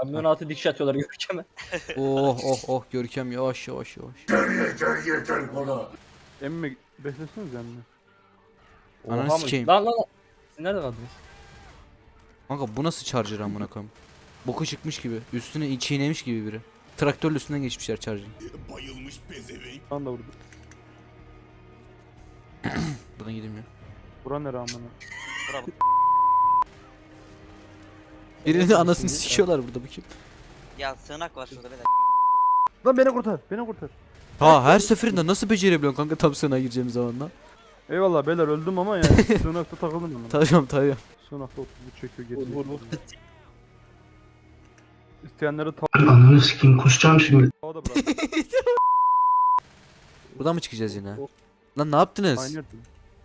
Kamyon altı dikiş atıyorlar Görkem'e. Oh oh oh Görkem yavaş yavaş yavaş. Emmi besleseniz emmi. Ananı Oha mı? sikeyim. Lan. Siz nereden aldınız? Kanka bu nasıl charger amına koyayım? Boku çıkmış gibi. Üstüne çiğnemiş gibi biri. Traktörle üstünden geçmişler charger'ın. Lan da vurdu. Buradan gidilmiyor. Bura nere amına? Bravo. Birinin anasını sikiyorlar burada bu kim? Ya sığınak var şurada beyler. Lan beni kurtar. Beni kurtar. Ha her seferinde nasıl becerebiliyorsun kanka tam sığınağa gireceğimiz zaman lan? Eyvallah beyler öldüm ama yani sığınakta takıldım ben. Tabii. Sığınakta 30 çekiyor geri. Vur. İsteyenleri Ananı sikeyim kusacağım şimdi. tava da bırak. Buradan mı çıkacağız yine? Lan ne yaptınız? Aynı yerde.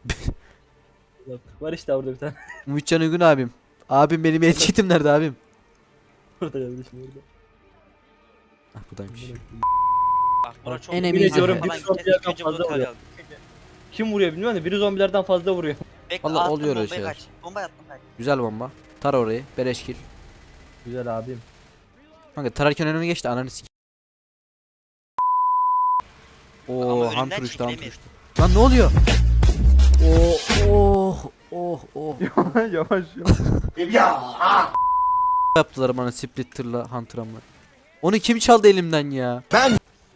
Var işte orada bir tane. Ümitcan Uygun abim. Abim benim etkitim nerede abim? Orada kardeşim orada. Ah buradaymış. Bak bura çok En büyük emin falan ediyorum, bir gideceğiz. sonrakilerden İlk önce bunu fazla tarayalım. Kim vuruyor bilmiyorum da biri zombilerden fazla vuruyor. Bekle Vallahi attım oluyor öyle bombayı şeyler. kaç. Bomba attım kaç. Güzel bomba. Tar orayı. Beleşkil. Güzel abim. Kanka tararken önüme geçti ananı sik. Ama Oo önünden hunter uçtu hunter çekilemeyiz. uçtu. Lan ne oluyor? Oh. Yavaş. Yaptılar bana splitter'la hunter'ımla. Onu kim çaldı elimden ya? Ben.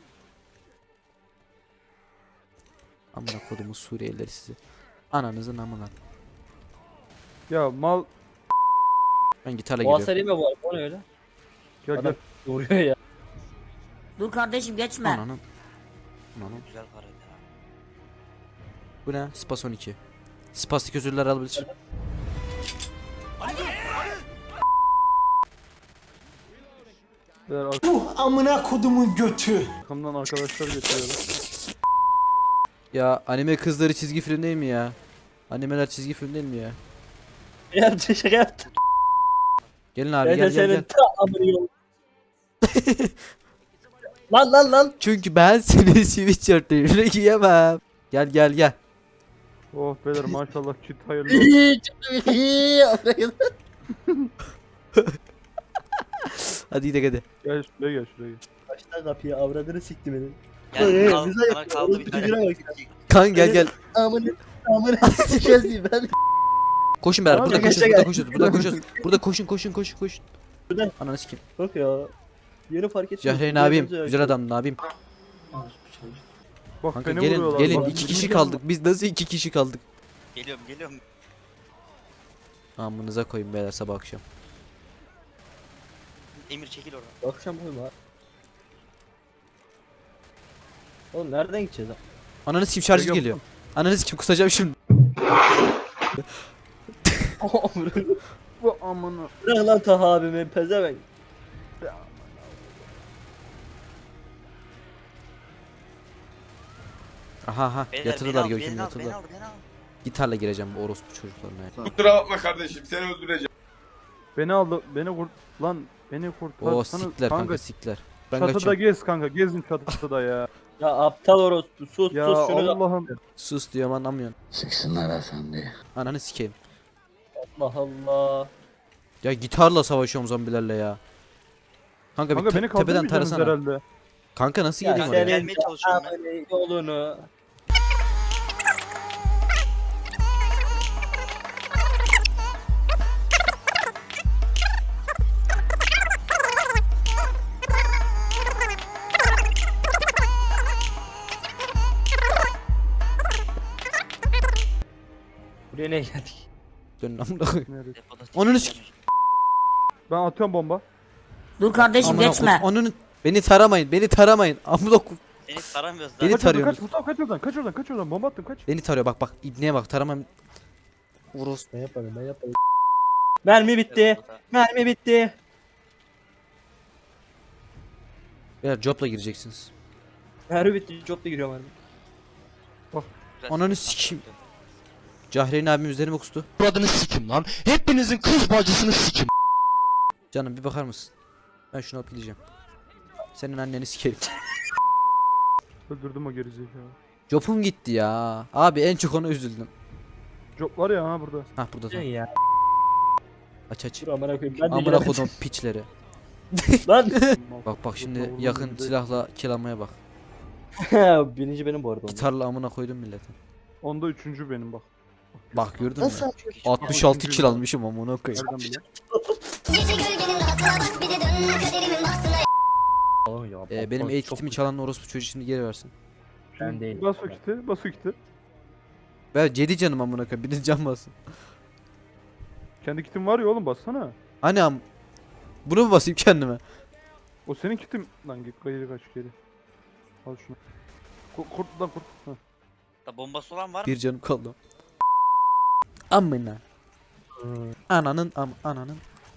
Amına kodumu Suriyelileri sizi. Ananızın amına. Ya mal Ben gitarla O gidiyorum. hasar yeme bu arada. O ne öyle? gel Adam- gel. Vuruyor ya. Dur kardeşim geçme. Ananın. Güzel para ya. Bu ne? Spas 12. Spastik özürler alabilir. Beyler Amına kodumun götü. arkamdan arkadaşlar getiriyorlar. Ya anime kızları çizgi film değil mi ya? Animeler çizgi film değil mi ya? Yaptı şaka yaptı. Gelin abi Ben de gel senin gel. ta amını yol. Lan. Çünkü ben seni sweatshirtlerine giyemem. Gel. Oh beyler maşallah çit hayırlı olsun. Hadi gidelim hadi. Gel şuraya gel şuraya gel. Baştan kapıyı avradını sikti beni. Yani Güzel sana kaldı bir tane. Güzel bak. Kan gel. Amını sikeceğiz ben. Koşun beraber. Tamam, Burada gel, koşuyoruz. Burada koşun. Burada. Ananı sikeyim. Bak ya. Yeni fark ettim. Cahreyn abim. Güzel adamdın abim. Bak Kanka beni gelin vuruyorlar. gelin. bak. 2 kişi kaldık. Biz nasıl 2 kişi kaldık? Geliyorum. Amınıza koyun beyler sabah akşam. Emir çekil oradan. Akşam uyuma. Oğlum nereden gideceğiz lan? Ananı sikeyim şarjı Yok. geliyor. Ananı sikeyim kusacağım şimdi. Bu amına. Bırak lan Taha abimi pezevenk. Aha Beyler, yatırdılar beni al, Görkem'i beni al, yatırdılar. beni al. Gitarla gireceğim bu orospu çocuklarına ya. Kusura bakma kardeşim seni öldüreceğim. Beni aldı. Beni kurt. Lan beni kurtar. Oo Sana- sikler kanka sikler. Ben Çatıda kaçıyorum. gez kanka. Gezin çatıda ya. Ya aptal orospu sus Ya sus şunu da. Allah'ım. Sus diyorum anlamıyorsun. Siksinler efendi. Ananı sikeyim. Allah Allah. Ya gitarla savaşıyorum zombilerle ya. Kanka, Kanka bir beni tepeden kaldırmayacaksınız tarasana. herhalde. Kanka nasıl Ya geleyim sen- oraya? Gelmeye çalışıyorum ben. Amını yolunu. Buraya ne geldik? Dönün amına koyayım. Nerede? Depoda Onun çekil. Ben atıyorum bomba. Dur kardeşim Amına geçme. koyayım. Onun beni taramayın. Amına koyayım. Seni taramıyoruz Beni daha. Kaç oradan tarıyorsunuz. kaç. Mustafa kaç oradan. Kaç oradan. Bomba attım kaç. Beni tarıyor bak ibneye bak taramam. Uros. Ben yaparım. Mermi bitti. Mermi bitti. Beyler jobla gireceksiniz. Mermi bitti. Job'da giriyorum mermi. Güzel. Ananı sikeyim. Cahreyn abim üzerime kustu. Buradını sikim lan. Hepinizin kız bacısını sikim. Canım bir bakar mısın? Ben şunu alıp gideceğim. Senin anneni sikerim. Öldürdüm o gerizekalı. Jobum gitti ya. Abi en çok ona üzüldüm. Job var ya ha burada. Hah burada Şey tamam. ya. Aç. Dur amına koyayım. Ben de Amına giremedim. kodum piçleri. Lan. Bak şimdi yakın silahla kill bak. Birinci benim bu arada. onda. Gitarla amına koydum milletin. Onda üçüncü benim bak. Bak gördün mü? Nasıl? 66 kill almışım amına koyayım. Nereden biliyorsun? Gece gölgenin rahatına bak bir de dön kaderimin bahtına. Oğlum ya, Benim çok- eğit çok- kitimi çalan orospu çocuğu şimdi geri versin. Ben değilim. Bas o kiti, bas o kiti. Ver 7 canım amına koyayım. Biriniz can basın. Kendi kitin var ya oğlum bassana. Hani bunu mu basayım kendime? O senin kitin. Lan git geri kaç geri. Al şunu. Kurt lan kurt. Heh. Da bombası olan var mı? Bir canım kaldı. Amına. Ananın ananın.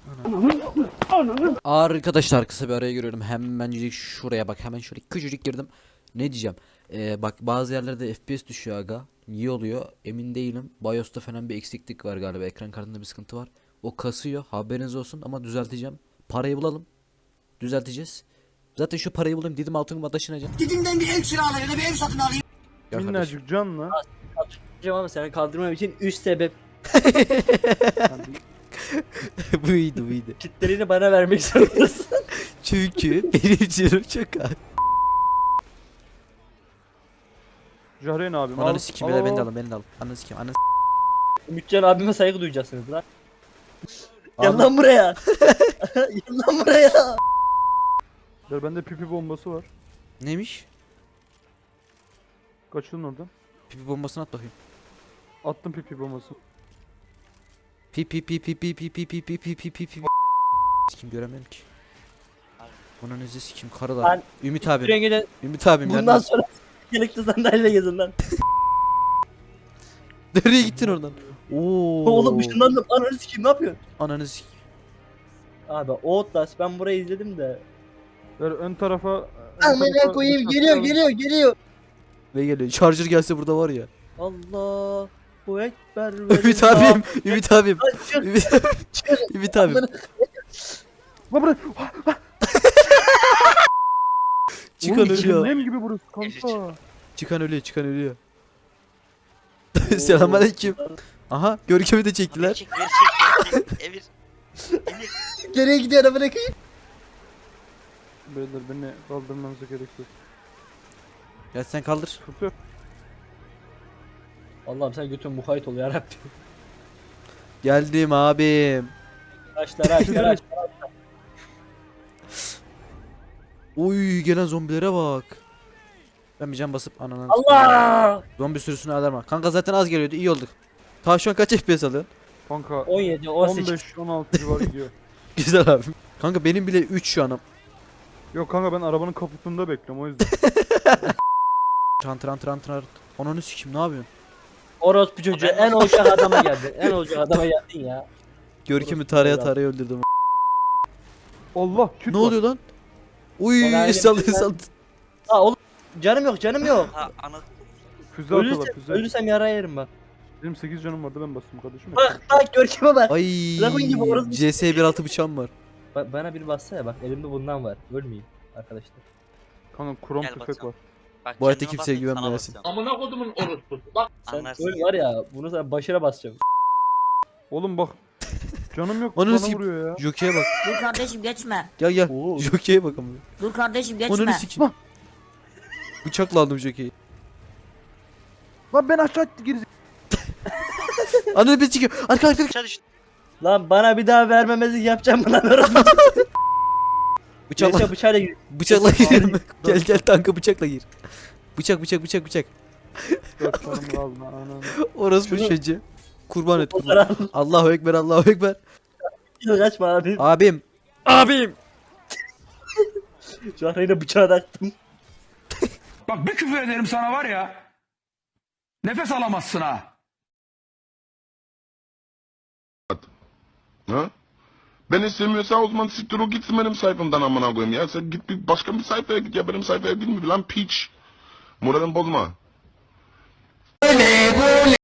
Arkadaşlar kısa bir araya giriyorum. Hemencik şuraya bak. Hemen şöyle küçücük girdim. Ne diyeceğim? Bak bazı yerlerde FPS düşüyor aga. Niye oluyor? Emin değilim. BIOS'ta falan bir eksiklik var galiba. Ekran kartında bir sıkıntı var. O kasıyor. Haberiniz olsun ama düzelteceğim. Parayı bulalım. Düzelteceğiz. Zaten şu parayı bulayım. Dedim altınıma taşınacağım. Gidimden bir ev kiralayın, bir ev satın alayım. Gel kardeşim. Minnacık canla. Diyeceğim ama seni kaldırmam için 3 sebep. Buydu buydu. Kitlerini bana vermek zorundasın. Çünkü benim canım çok az. Cahreyn abim Ananı sikeyim beyler, beni de alın, beni de alın. Ananı sikeyim, ananı Mütcan abime saygı duyacaksınız lan. Gel Abi- lan buraya. Gel lan buraya. Dur bende pipi bombası var. Neymiş? Kaçın oradan. Pipi bombasını at bakayım. Attım pipi bombası. Pipi pipi pipi pipi pipi pipi pipi. Sikim göremiyorum ki. Bunun izi sikim karılar. Ben- Ümit abim. Rengine Ümit abim bundan nereden? sonra gerekli sandalyeyle gezin lan. Nereye gittin oradan? Oo. Oğlum ışınlandım. Ananı sikeyim ne yapıyorsun? Ananı sikeyim. Abi Outlast ben burayı izledim de. Ver ön tarafa. Amına koyayım geliyor. Ve geliyor. Charger gelse burada var ya. Allahu Ekber. Ümit abim. Ümit abim. Lan çık, Ümit abim. çık. Ümit abim. Amına- Lan buraya. Çıkan Oğlum, ölüyor. cehennem gibi burası kanka. Çıkan ölüyor. Çıkan ölüyor. Selamünaleyküm. Aha Görkem'i de çektiler. Çek, ver, çek. Emir. Emir. Nereye gidiyor amına koyayım? Beyler beni kaldırmanıza gerek yok. Gel sen kaldır. Sıkıntı yok. Allah'ım sen götün mukayyet ol yarabbim. Geldim abim. Aç. Oy gelen zombilere bak. Ben bir can basıp ananı. Allah! Zombi sürüsünü alarma. Kanka zaten az geliyordu, iyi olduk. Ta şu an kaç FPS alıyorsun? Kanka 17, 18. 15-16 civar gidiyor. Güzel abim. Kanka benim bile 3 şu anım. Yok kanka ben arabanın kaputunda bekliyorum o yüzden. Rant. Ananı sikim ne yapıyorsun? Orospu çocuğu en olacak adama geldin. En olacak adama geldin ya. Görkem'i taraya öldürdüm. Allah küt Ne var. oluyor lan? Uy Bana saldı öyle bir- saldı. Ha oğlum canım yok. Ha ana. Füze atıyorlar füze. Ölürsem yara yerim bak. Benim 8 canım vardı ben bastım kardeşim. Bak Görkem'e bak. Ay Dragon gibi orası. CS 1.6 bıçağım var. Bana bir bassa ya bak elimde bundan var. Ölmeyeyim arkadaşlar. Kanka krom Gel tüfek bakalım. var. Bak, Bu hayatta kendime kimseye basayım, sana güvenmeyesin. basacağım. Amına kodumun orospusu. Bak Sen Anlarsın. öl var ya bunu sana başına basacağım. Oğlum bak. Canım yok Ananı bana sikeyim. vuruyor ya. Jockey'e bak. Dur kardeşim geçme. Gel. Oo. Jockey'e bak ama. Dur kardeşim Ananı geçme. sikim. Bıçakla aldım Jockey'i. Lan ben aşağı geri. Ananı bir sikiyor. Arka. Aşağı düştü. Lan bana bir daha vermemezlik yapacağım mı lan orospu? Bıçakla. Bıçakla gir. Bıçakla girelim. Gel tanka bıçakla gir. Bıçak. 4 canım kaldı ananı. Orası bu Şunu- çocuğu. Kurban et. Fotoğraf. Allahu Ekber. Kaçma abi. Abim. Şu an yine bıçağı taktım. Bak bir küfür ederim sana var ya. Nefes alamazsın ha. Ha? Ben istemiyorsan o zaman siktir o gitsin benim sayfamdan amına koyayım ya. Sen git bir başka bir sayfaya git ya benim sayfaya girme lan piç. Moralimi bozma.